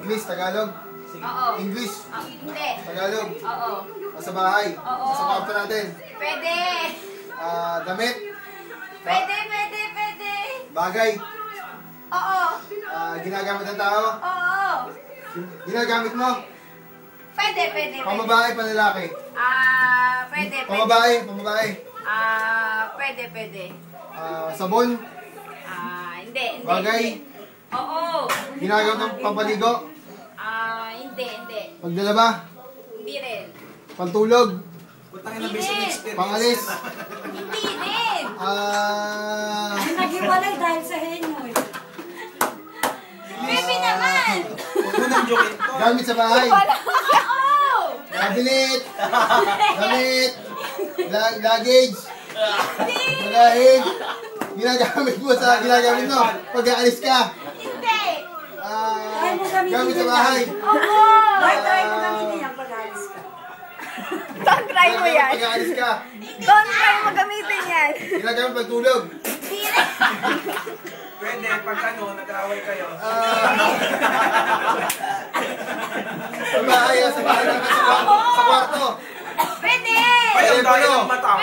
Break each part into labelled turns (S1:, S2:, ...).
S1: English, Tagalog.
S2: Oo.
S1: English,
S2: Hindi.
S1: Tagalog.
S2: Oo.
S1: Nasa bahay.
S2: Oo.
S1: Nasa kwarto natin.
S2: Pwede.
S1: Damit.
S2: Pwede.
S1: Bagay.
S2: Oo.
S1: Ginagamit ng tao.
S2: Oo.
S1: Ginagamit mo.
S2: Pwede.
S1: Pamabae, panlalaki.
S2: Pwede.
S1: Pamabae.
S2: Pwede.
S1: Sabon.
S2: Hindi.
S1: Bagay.
S2: Oo.
S1: Ginagamit ng pampaligo.
S2: Hindi.
S1: Pagdalaba.
S2: Hindi rin.
S1: Pantulog.
S2: Hindi rin.
S1: Pangalis.
S2: Hindi rin.
S3: Nag-iwalay dahil sa henyo eh.
S2: Baby naman.
S1: Gamit sa bahay.
S2: Oo.
S1: Cabinet. Damit. Luggage. Bagahig. Ginagamit mo pag-aalis ka.
S2: Hindi.
S1: Gamit sa bahay.
S2: Oo.
S3: Try mo gamitin yan pag-alis ka.
S2: Don't try mo yan.
S1: Pag-aalis ka.
S2: Don't try mo gamitin yan.
S1: Ginagamit pagtulog.
S2: Hindi rin.
S4: Pwede, pag nag-aaway kayo.
S1: Sa bahay, sa kwarto.
S2: Pwede.
S4: Ay, ang daya ng mata.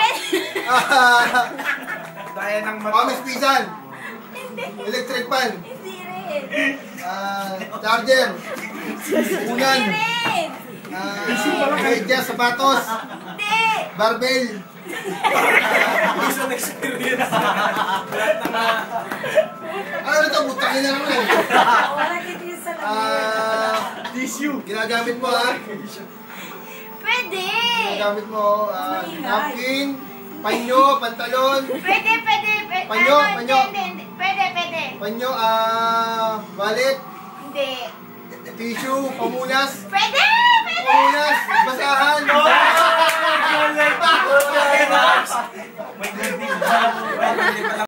S4: Daya ng mata.
S1: Pamis pisan. Electric fan.
S2: Hindi rin.
S1: Charger. Unan.
S2: Hindi rin.
S1: Medyas, sapatos.
S2: Hindi.
S1: Barbell.
S4: Based on experience. Lahat ng
S1: Ano ito? Butangin na naman eh.
S3: Wala kitin sa lamig.
S4: tissue.
S1: Ginagamit mo ha?
S2: Pwede.
S1: Ginagamit mo napkin, panyo, pantalon,
S2: Pwede.
S1: Panyo.
S2: Hindi. Pwede.
S1: panyo, wallet,
S2: Hindi.
S1: tissue, pamunas,
S2: Pwede.
S1: pamunas, basahan.